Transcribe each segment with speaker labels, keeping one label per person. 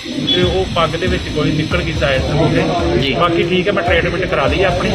Speaker 1: ਤੇ ਉਹ ਪੱਗ ਦੇ ਵਿੱਚ ਗੋਲੀ ਨਿਕਲ ਗਈ ਸਾਈਡ ਤੋਂ ਹੋ ਕੇ। ਬਾਕੀ ਠੀਕ ਹੈ, ਮੈਂ ਟ੍ਰੀਟਮੈਂਟ ਕਰਾ ਲਈ ਆਪਣੀ।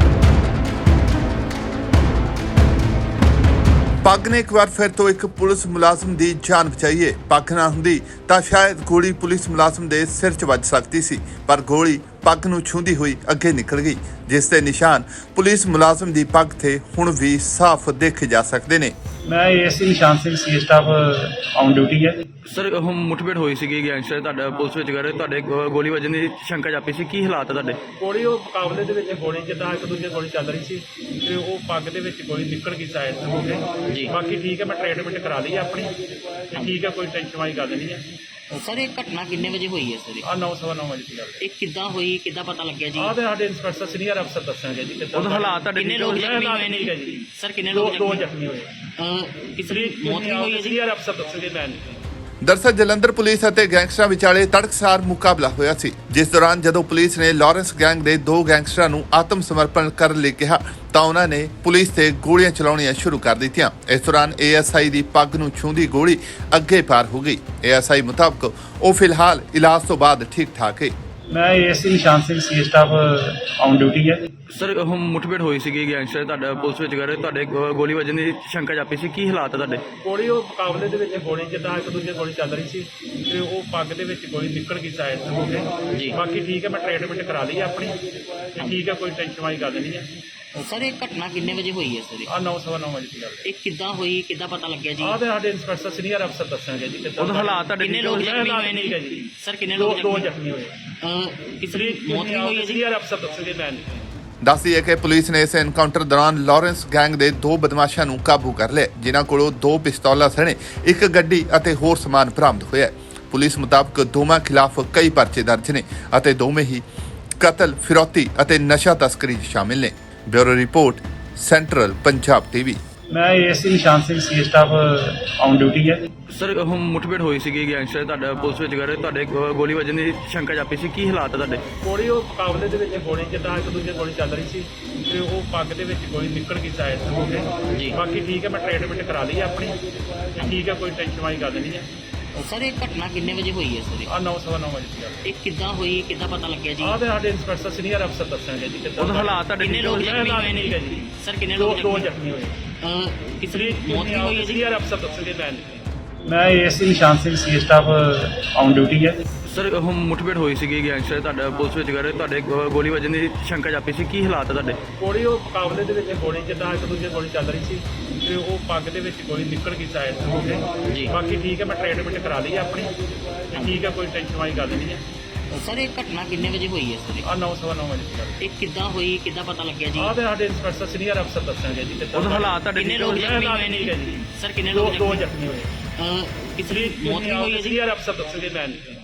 Speaker 2: ਪੱਗ ਨੇ ਇੱਕ ਵਾਰ ਫਿਰ ਤੋਂ ਇੱਕ ਪੁਲਿਸ ਮੁਲਾਜ਼ਮ ਦੀ ਜਾਨ ਬਚਾਈ ਹੈ। ਪੱਗ ਨਾ ਹੁੰਦੀ ਤਾਂ ਸ਼ਾਇਦ ਗੋਲੀ ਪੁਲਿਸ ਮੁਲਾਜ਼ਮ ਦੇ ਸਿਰ 'ਚ ਵੱਜ ਸਕਦੀ ਸੀ, ਪਰ ਗੋਲੀ ਪੱਗ ਨੂੰ ਛੂੰਹਦੀ ਹੋਈ ਅੱਗੇ ਨਿਕਲ ਗਈ, ਜਿਸ ਦੇ ਨਿਸ਼ਾਨ ਪੁਲਿਸ ਮੁਲਾਜ਼ਮ ਦੀ ਪੱਗ ਤੇ ਹੁਣ ਵੀ ਸਾਫ਼ ਦੇਖੇ ਜਾ ਸਕਦੇ ਨੇ।
Speaker 1: ਮੈਂ ASI Nishan Singh C staff on duty ਹੈ।
Speaker 3: ਸਰ ਮੁਠਭੇੜ ਹੋਈ ਸੀਗੀ ਗੈਂਗਸਟਰ ਤੁਹਾਡਾ ਪੁਲਿਸ ਵਿੱਚ ਕਰ ਤੁਹਾਡੇ ਗੋਲੀ ਵੱਜਣ ਦੀ ਸ਼ੰਕਾ ਜਾਪੀ ਸੀ, ਕੀ ਹਾਲਾਤ ਹੈ ਤੁਹਾਡੇ?
Speaker 1: ਗੋਲੀ ਉਹ ਮੁਕਾਬਲੇ ਦੇ ਵਿੱਚ ਗੋਲੀ ਜਿੱਦਾਂ ਇੱਕ ਦੂਜੇ ਗੋਲੀ ਚੱਲ ਰਹੀ ਸੀ ਤੇ ਉਹ ਪੱਗ ਦੇ ਵਿੱਚ ਗੋਲੀ ਨਿਕਲ ਗਈ ਸਾਈਡ ਤੋਂ ਹੋ ਕੇ। ਬਾਕੀ ਠੀਕ ਹੈ, ਮੈਂ ਟ੍ਰੀਟਮੈਂਟ ਕਰਾ ਲਈ ਆਪਣੀ ਤੇ ਠੀਕ ਹੈ, ਕੋਈ ਟੈਨਸ਼ਨ ਵਾਲੀ ਗੱਲ ਨਹੀਂ ਹੈ।
Speaker 4: ਸਰ ਇਹ ਘਟਨਾ ਕਿੰਨੇ ਵਜੇ ਹੋਈ ਹੈ ਸਰ?
Speaker 1: ਆ 9:15 ਵਜੇ ਦੀ ਗੱਲ ਹੈ।
Speaker 4: ਇਹ ਕਿੱਦਾਂ ਹੋਈ, ਕਿੱਦਾਂ ਪਤਾ ਲੱਗਿਆ ਜੀ?
Speaker 1: ਆਹ ਤੇ ਸਾਡੇ ਇੰਸਪੈਕਟਰ ਸੀਨੀਅਰ ਅਫਸਰ ਦੱਸਣਗੇ ਜੀ ਕਿੱਦਾਂ
Speaker 3: ਉਹਦਾ ਹਾਲਾਤ ਤੁਹਾਡੇ
Speaker 4: ਕਿੰਨੇ ਲੋਕ ਜ਼ਖਮੀ ਹੋਏ ਨੇ?
Speaker 1: ਠੀਕ ਹੈ ਜੀ,
Speaker 4: ਸਰ ਕਿੰਨੇ ਲੋਕ
Speaker 1: ਦੋ ਜ਼ਖਮੀ ਹੋਏ।
Speaker 4: ਕਿਸੇ ਦੀ ਮੌਤ ਵੀ ਹੋਈ ਹੈ ਜੀ?
Speaker 1: ਸੀਨੀਅਰ ਅਫਸਰ ਦੱਸਣਗੇ ਮੈਂ ਨਹੀਂ।
Speaker 2: ਦਰਅਸਲ ਜਲੰਧਰ ਪੁਲਿਸ ਅਤੇ ਗੈਂਗਸਟਰਾਂ ਵਿਚਾਲੇ ਤੜਕਸਾਰ ਮੁਕਾਬਲਾ ਹੋਇਆ ਸੀ, ਜਿਸ ਦੌਰਾਨ ਜਦੋਂ ਪੁਲਿਸ ਨੇ ਲਾਰੈਂਸ ਗੈਂਗ ਦੇ 2 ਗੈਂਗਸਟਰਾਂ ਨੂੰ ਆਤਮ ਸਮਰਪਣ ਕਰਨ ਲਈ ਕਿਹਾ ਤਾਂ ਉਹਨਾਂ ਨੇ ਪੁਲਿਸ ਤੇ ਗੋਲੀਆਂ ਚਲਾਉਣੀਆਂ ਸ਼ੁਰੂ ਕਰ ਦਿੱਤੀਆਂ। ਇਸ ਦੌਰਾਨ ਏਐਸਆਈ ਦੀ ਪੱਗ ਨੂੰ ਛੂੰਹਦੀ ਗੋਲੀ ਅੱਗੇ ਪਾਰ ਹੋ ਗਈ। ਏਐਸਆਈ ਮੁਤਾਬਕ ਉਹ ਫਿਲਹਾਲ ਇਲਾਜ ਤੋਂ ਬਾਅਦ ਠੀਕ ਠਾਕ ਹੈ।
Speaker 1: ਮੈਂ ASI Nishan Singh C staff on duty ਹੈ।
Speaker 3: ਸਰ ਮੁਠਭੇੜ ਹੋਈ ਸੀਗੀ ਗੈਂਗਸਟਰ ਤੁਹਾਡਾ ਪੁਲਿਸ ਵਿੱਚ ਕਰ ਤੁਹਾਡੇ ਗੋਲੀ ਵੱਜਣ ਦੀ ਸ਼ੰਕਾ ਜਾਪੀ ਸੀ, ਕੀ ਹਾਲਾਤ ਹੈ ਤੁਹਾਡੇ?
Speaker 1: ਗੋਲੀ ਉਹ ਮੁਕਾਬਲੇ ਦੇ ਵਿੱਚ ਗੋਲੀ ਜਿੱਦਾਂ ਇੱਕ ਦੂਜੇ ਗੋਲੀ ਚੱਲ ਰਹੀ ਸੀ ਤੇ ਉਹ ਪੱਗ ਦੇ ਵਿੱਚ ਗੋਲੀ ਨਿਕਲ ਗਈ ਸਾਈਡ ਤੋਂ ਹੋ ਕੇ। ਬਾਕੀ ਠੀਕ ਹੈ, ਮੈਂ ਟ੍ਰੀਟਮੈਂਟ ਕਰਾ ਲਈ ਆਪਣੀ ਤੇ ਠੀਕ ਹੈ, ਕੋਈ ਟੈਨਸ਼ਨ ਵਾਲੀ ਗੱਲ ਨਹੀਂ ਹੈ।
Speaker 4: ਸਰ ਇਹ ਘਟਨਾ ਕਿੰਨੇ ਵਜੇ ਹੋਈ ਹੈ ਸਰ?
Speaker 1: ਆ 9:15 ਵਜੇ ਦੀ ਗੱਲ ਹੈ।
Speaker 4: ਇਹ ਕਿੱਦਾਂ ਹੋਈ, ਕਿੱਦਾਂ ਪਤਾ ਲੱਗਿਆ ਜੀ?
Speaker 1: ਆਹ ਤੇ ਸਾਡੇ ਇੰਸਪੈਕਟਰ ਸੀਨੀਅਰ ਅਫਸਰ ਦੱਸਣਗੇ ਜੀ ਕਿੱਦਾਂ
Speaker 3: ਉਹਦਾ ਹਾਲਾਤ ਤੁਹਾਡੇ
Speaker 4: ਕਿੰਨੇ ਲੋਕ ਜ਼ਖਮੀ ਹੋਏ ਨੇ?
Speaker 1: ਠੀਕ ਹੈ ਜੀ,
Speaker 4: ਸਰ ਕਿੰਨੇ ਲੋਕ
Speaker 1: ਦੋ ਜ਼ਖਮੀ ਹੋਏ।
Speaker 4: ਕਿਸੇ ਦੀ ਮੌਤ ਵੀ ਹੋਈ ਹੈ ਜੀ?
Speaker 1: ਸੀਨੀਅਰ ਅਫਸਰ ਦੱਸਣਗੇ ਮੈਂ ਨਹੀਂ।
Speaker 2: ਦੱਸਦੀ ਹੈ ਕਿ ਪੁਲਿਸ ਨੇ ਇਸ ਐਨਕਾਊਂਟਰ ਦੌਰਾਨ ਲਾਰੈਂਸ ਗੈਂਗ ਦੇ 2 ਬਦਮਾਸ਼ਾਂ ਨੂੰ ਕਾਬੂ ਕਰ ਲਿਆ, ਜਿਨ੍ਹਾਂ ਕੋਲੋਂ 2 ਪਿਸਤੌਲਾਂ ਸਣੇ ਇੱਕ ਗੱਡੀ ਅਤੇ ਹੋਰ ਸਮਾਨ ਬਰਾਮਦ ਹੋਇਆ। ਪੁਲਿਸ ਮੁਤਾਬਕ ਦੋਵਾਂ ਖਿਲਾਫ ਕਈ ਪਰਚੇ ਦਰਜ ਨੇ ਅਤੇ ਦੋਵੇਂ ਹੀ ਕਤਲ, ਫਿਰੌਤੀ ਅਤੇ ਨਸ਼ਾ ਤਸਕਰੀ 'ਚ ਸ਼ਾਮਿਲ ਨੇ। Bureau report, central Punjab TV.
Speaker 1: ਮੈਂ ASI Nishan Singh C staff on duty ਹੈ।
Speaker 3: ਸਰ ਮੁਠਭੇੜ ਹੋਈ ਸੀਗੀ ਗੈਂਗਸਟਰ ਤੁਹਾਡਾ ਪੁਲਿਸ ਵਿੱਚ ਕਰ ਤੁਹਾਡੇ ਗੋਲੀ ਵੱਜਣ ਦੀ ਸ਼ੰਕਾ ਜਾਪੀ ਸੀ, ਕੀ ਹਾਲਾਤ ਹੈ ਤੁਹਾਡੇ?
Speaker 1: ਗੋਲੀ ਉਹ ਮੁਕਾਬਲੇ ਦੇ ਵਿੱਚ ਗੋਲੀ ਜਿੱਦਾਂ ਇੱਕ ਦੂਜੇ ਗੋਲੀ ਚੱਲ ਰਹੀ ਸੀ ਤੇ ਉਹ ਪੱਗ ਦੇ ਵਿੱਚ ਗੋਲੀ ਨਿਕਲ ਗਈ ਸਾਈਡ ਤੋਂ ਹੋ ਕੇ। ਬਾਕੀ ਠੀਕ ਹੈ, ਮੈਂ ਟ੍ਰੀਟਮੈਂਟ ਕਰਾ ਲਈ ਆਪਣੀ ਤੇ ਠੀਕ ਹੈ, ਕੋਈ ਟੈਨਸ਼ਨ ਵਾਲੀ ਗੱਲ ਨਹੀਂ ਹੈ।
Speaker 4: ਸਰ ਇਹ ਘਟਨਾ ਕਿੰਨੇ ਵਜੇ ਹੋਈ ਹੈ ਸਰ?
Speaker 1: ਆ 9:15 ਵਜੇ ਦੀ ਗੱਲ ਹੈ।
Speaker 4: ਇਹ ਕਿੱਦਾਂ ਹੋਈ, ਕਿੱਦਾਂ ਪਤਾ ਲੱਗਿਆ ਜੀ?
Speaker 1: ਆਹ ਤੇ ਸਾਡੇ ਇੰਸਪੈਕਟਰ ਸੀਨੀਅਰ ਅਫਸਰ ਦੱਸਣਗੇ ਜੀ ਕਿੱਦਾਂ
Speaker 3: ਉਹਦਾ ਹਾਲਾਤ ਤੁਹਾਡੇ
Speaker 4: ਕਿੰਨੇ ਲੋਕ ਜ਼ਖਮੀ ਹੋਏ ਨੇ?
Speaker 1: ਠੀਕ ਹੈ ਜੀ,
Speaker 4: ਸਰ ਕਿੰਨੇ ਲੋਕ
Speaker 1: ਦੋ ਜ਼ਖਮੀ ਹੋਏ।
Speaker 4: ਕਿਸੇ ਦੀ ਮੌਤ ਵੀ ਹੋਈ ਹੈ ਜੀ?
Speaker 1: ਸੀਨੀਅਰ ਅਫਸਰ ਦੱਸਣਗੇ ਮੈਂ ਨਹੀਂ। ਮੈਂ ASI Nishan Singh C staff on duty ਹੈ।
Speaker 3: ਸਰ ਮੁਠਭੇੜ ਹੋਈ ਸੀਗੀ ਗੈਂਗਸਟਰ ਤੁਹਾਡਾ ਪੁਲਿਸ ਵਿੱਚ ਕਰ ਤੁਹਾਡੇ ਗੋਲੀ ਵੱਜਣ ਦੀ ਸ਼ੰਕਾ ਜਾਪੀ ਸੀ, ਕੀ ਹਾਲਾਤ ਹੈ ਤੁਹਾਡੇ?
Speaker 1: ਗੋਲੀ ਉਹ ਮੁਕਾਬਲੇ ਦੇ ਵਿੱਚ ਗੋਲੀ ਜਿੱਦਾਂ ਇੱਕ ਦੂਜੇ ਗੋਲੀ ਚੱਲ ਰਹੀ ਸੀ ਤੇ ਉਹ ਪੱਗ ਦੇ ਵਿੱਚ ਗੋਲੀ ਨਿਕਲ ਗਈ ਸਾਈਡ ਤੋਂ ਹੋ ਕੇ। ਬਾਕੀ ਠੀਕ ਹੈ, ਮੈਂ ਟ੍ਰੀਟਮੈਂਟ ਕਰਾ ਲਈ ਆਪਣੀ ਤੇ ਠੀਕ ਹੈ, ਕੋਈ ਟੈਨਸ਼ਨ ਵਾਲੀ ਗੱਲ ਨਹੀਂ ਹੈ।
Speaker 4: ਸਰ ਇਹ ਘਟਨਾ ਕਿੰਨੇ ਵਜੇ ਹੋਈ ਹੈ ਸਰ?
Speaker 1: ਆ 9:15 ਵਜੇ ਦੀ ਗੱਲ ਹੈ।
Speaker 4: ਇਹ ਕਿੱਦਾਂ ਹੋਈ, ਕਿੱਦਾਂ ਪਤਾ ਲੱਗਿਆ ਜੀ?
Speaker 1: ਆਹ ਤੇ ਸਾਡੇ ਇੰਸਪੈਕਟਰ ਸੀਨੀਅਰ ਅਫਸਰ ਦੱਸਣਗੇ ਜੀ ਕਿੱਦਾਂ
Speaker 3: ਉਹਦਾ ਹਾਲਾਤ ਤੁਹਾਡੇ
Speaker 4: ਕਿੰਨੇ ਲੋਕ ਜ਼ਖਮੀ ਹੋਏ ਨੇ?
Speaker 1: ਠੀਕ ਹੈ ਜੀ,
Speaker 4: ਸਰ ਕਿੰਨੇ
Speaker 1: ਦੋ
Speaker 4: ਲੋਕ
Speaker 1: ਜ਼ਖਮੀ ਹੋਏ।
Speaker 4: ਕਿਸੇ ਦੀ ਮੌਤ ਵੀ ਹੋਈ ਹੈ ਜੀ?
Speaker 1: ਸੀਨੀਅਰ ਅਫਸਰ ਦੱਸਣਗੇ ਮੈਂ ਨਹੀਂ।